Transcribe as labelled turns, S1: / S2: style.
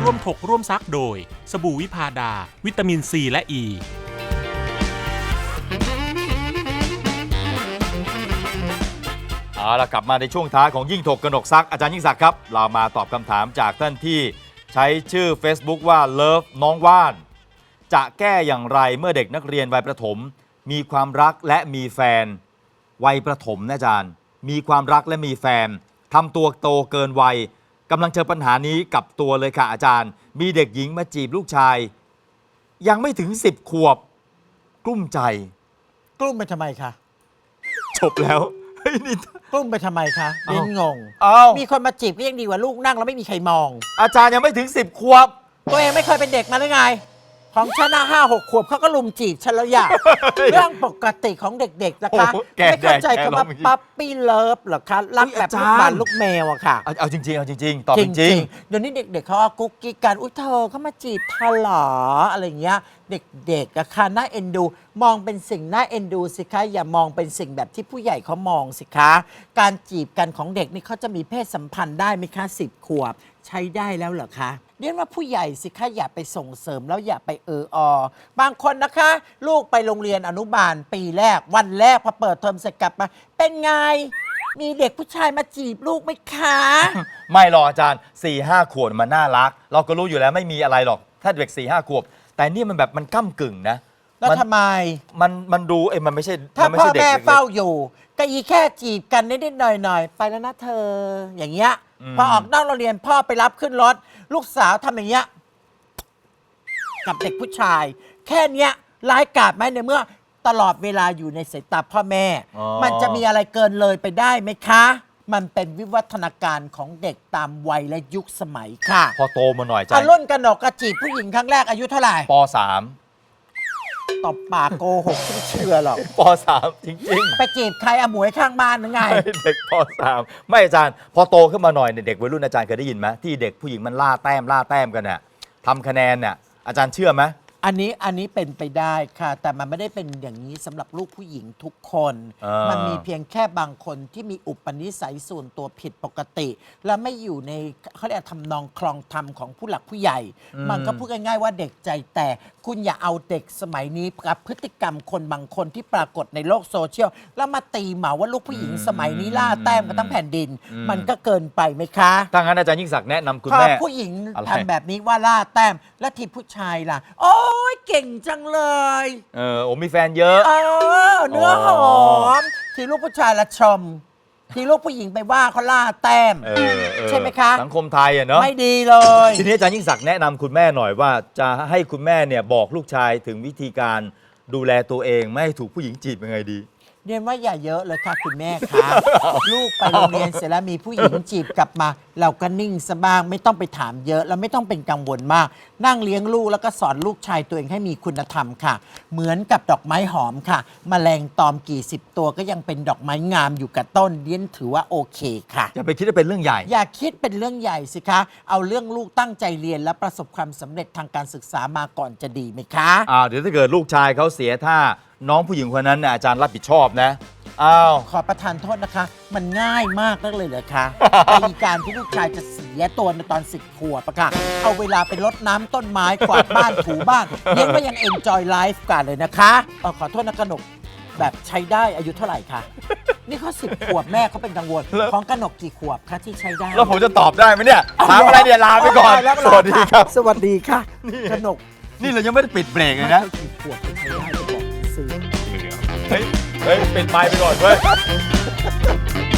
S1: ร่วมถกร่วมซักโดยสบู่วิพาดาวิตามินซีและอ e. ี
S2: เอาล่ะกลับมาในช่วงท้ายของยิ่งถกกนกซักอาจารย์ยิ่งศักดิ์ครับเรามาตอบคำถามจากท่านที่ใช้ชื่อ Facebook ว่า Love น้องว่านจะแก้อย่างไรเมื่อเด็กนักเรียนวัยประถมมีความรักและมีแฟนวัยประถมนะอาจารย์มีความรักและมีแฟนทำตัวโตเกินวัยกำลังเจอปัญหานี้กับตัวเลยค่ะอาจารย์มีเด็กหญิงมาจีบลูกชายยังไม่ถึง10 ขวบกลุ้มใจ
S3: กลุ้มไปทำไมคะ
S2: จบแล้วเฮ้ยนี่
S3: กลุ้มไปทำไมคะเรียนงง
S2: เอ้า
S3: มีคนมาจีบก็ยังดีกว่าลูกนั่งแล้วไม่มีใครมอง
S2: อาจารย์ยังไม่ถึง10 ขวบ
S3: ตัวเองไม่เคยเป็นเด็กมาหรือไง ของฉันนะ5-6 ขวบเขาก็ลุมจีบฉันแล้วอย่า เรื่องปกติของเด็กๆนะคะ
S2: โอ้โหแก
S3: ไม่เข้าใจ
S2: แก
S3: คำว่า
S2: ร้องเมื่อกี้
S3: ปั๊ปปี้เลิฟหรอคะรักแบบลูกหมาลูกแมวอะค่ะ
S2: เอาจริงๆเอาจริงๆตอบจริง
S3: เดี๋ยวนี้เด็กๆเขาเอากุ๊กกิ๊กกันอุ้ยเธอเขามาจีบเธอเหรออะไรอย่างเงี้ยเด็กๆอะค่ะน่าเอ็นดู มองเป็นสิ่งน่าเอ็นดูสิคะอย่ามองเป็นสิ่งแบบที่ผู้ใหญ่เขามองสิคะการจีบกันของเด็กนี่เขาจะมีเพศสัมพันธ์ได้ไหมคะ10 ขวบใช้ได้แล้วเหรอคะเรียกว่าผู้ใหญ่สิคะอย่าไปส่งเสริมแล้วอย่าไปบางคนนะคะ ลูกไปโรงเรียนอนุบาลปีแรกวันแรกพอเปิดเทอมเสร็จกลับมาเป็นไงมีเด็กผู้ชายมาจีบลูกไหมคะ
S2: ๆ ไม่หรอกอาจารย์ 4-5 ขวบมันน่ารัก เราก็รู้อยู่แล้วไม่มีอะไรหรอก ถ้าเด็ก 4-5 ขวบ แต่นี่มันแบบมันก้ำกึ่งนะ
S3: แล้วทำไม
S2: มันดูมันไม่ใช่
S3: ถ้า
S2: มันไม่
S3: พ่อ
S2: ใช่เด็ก
S3: แม่
S2: เล็กๆ
S3: เฝ้าอยู่ก็อีแค่จีบกันนิดๆหน่อยๆไปแล้วนะเธอ อย่างเงี้ย พอออกนอกโรงเรียนพ่อไปรับขึ้นรถ ลูกสาวทำอย่างเงี้ยกับเด็กผู้ชาย แค่เนี้ยร้ายกาจไหมในเมื่อตลอดเวลาอยู่ในสายตาพ่อแม่
S2: อ๋อ
S3: มันจะมีอะไรเกินเลยไปได้ไหมคะ มันเป็นวิวัฒนาการของเด็กตามวัยและยุคสมัยค่ะ
S2: พอโตมาหน่อยอาจาร
S3: อา
S2: ย์
S3: รุ่นกนกกระจีบผู้หญิงครั้งแรกอายุเท่าไหร่
S2: ป
S3: ตบปากโกหกไม่เชื่อหรอก
S2: .3 ป .3 จริงๆ
S3: ไปจีบใครอาหมวยข้างบ้านหรือไง
S2: เด็กป .3 ไม่อาจารย์ พอโตขึ้นมาหน่อยเนี่ยเด็กวัยรุ่นอาจารย์เคยได้ยินไหมที่เด็กผู้หญิงมันล่าแต้มกันน่ะทำคะแนนเนี่ยอาจารย์เชื่อไหม
S3: อันนี้เป็นไปได้ค่ะ แต่มันไม่ได้เป็นอย่างนี้สำหรับลูกผู้หญิงทุกคน มันมีเพียงแค่บางคนที่มีอุปนิสัยส่วนตัวผิดปกติ และไม่อยู่ในเขาเรียกทำนองคลองธรรมของผู้หลักผู้ใหญ่ มันก็พูดง่ายๆว่าเด็กใจแต่คุณอย่าเอาเด็กสมัยนี้กับพฤติกรรมคนบางคนที่ปรากฏในโลกโซเชียลแล้วมาตีเหมาว่าลูกผู้หญิงสมัยนี้ล่าแต้มกันทั้งแผ่นดิน มันก็เกินไปไหมคะ
S2: ถ้างั้นอาจารย์ยิ่งศักดิ์แนะนำคุณ
S3: พอ
S2: แม่
S3: ผู้หญิง
S2: อะไร
S3: ทำแบบนี้ว่าล่าแต้มและทีผู้ชายล่ะ โอ้ยเก่งจังเลย
S2: โอ้มีแฟนเยอะ
S3: เนื้อหอมทีลูกผู้ชายละชม ทีลูกผู้หญิงไปว่าเขาล่าแต้ม ใช่ไหมคะ
S2: สังคมไทยอะเนาะ
S3: ไม่ดีเลย
S2: ทีนี้อาจารย์ยิ่งศักดิ์แนะนำคุณแม่หน่อยว่าจะให้คุณแม่เนี่ยบอกลูกชายถึงวิธีการดูแลตัวเองไม่ให้ถูกผู้หญิงจีบยังไงดี
S3: เรียนว่าอย่าเยอะเลยค่ะคุณแม่คะลูกไปโรงเรียนเสร็จแล้วมีผู้หญิงจีบกลับมา เราก็นิ่งซะบ้างไม่ต้องไปถามเยอะแล้วไม่ต้องเป็นกังวลมาก นั่งเลี้ยงลูกแล้วก็สอนลูกชายตัวเองให้มีคุณธรรมค่ะ เหมือนกับดอกไม้หอมค่ะแมลงตอมกี่สิบตัวก็ยังเป็นดอกไม้งามอยู่กับต้นเรียนถือว่าโอเคค่ะ
S2: อย่าไปคิดว่าเป็นเรื่องใหญ่
S3: อย่าคิดเป็นเรื่องใหญ่สิคะ เอาเรื่องลูกตั้งใจเรียนและประสบความสำเร็จทางการศึกษามาก่อนจะดีไหมคะ
S2: เดี๋ยวถ้าเกิดลูกชายเขาเสียท่าน้องผู้หญิงคนนั้นเนี่ยอาจารย์รับผิดชอบนะอ้าว
S3: ขอประทานโทษนะคะ มันง่ายมากนักเลยเหรอคะ ในการที่ลูกชายจะเสียตัวในตอน10 ขวบอะค่ะ เอาเวลาไปรดน้ำต้นไม้กวาดบ้านถูบ้านเรียกว่ายัง enjoy life กันเลยนะคะขอโทษนะกนกแบบใช้ได้อายุเท่าไหร่คะนี่เขา10 ขวบแม่เขาเป็นกังวล ของกนกกี่ขวบคะที่ใช้ได้
S2: แล้วผมจะตอบได้ไหมเนี่ยถามอะไรเนี่ยลาไปก่อน
S3: แล้ว
S2: สวัสดีครับ
S3: สวัสดีค่ะกนก
S2: นี่เรายังไม่ได้ปิดเบรกเลยนะ
S3: กี่ขวบที่ใช้ได้จะบอกซื้อ
S2: เฮ้ยปิดไมค์ไปก่อนเว้ย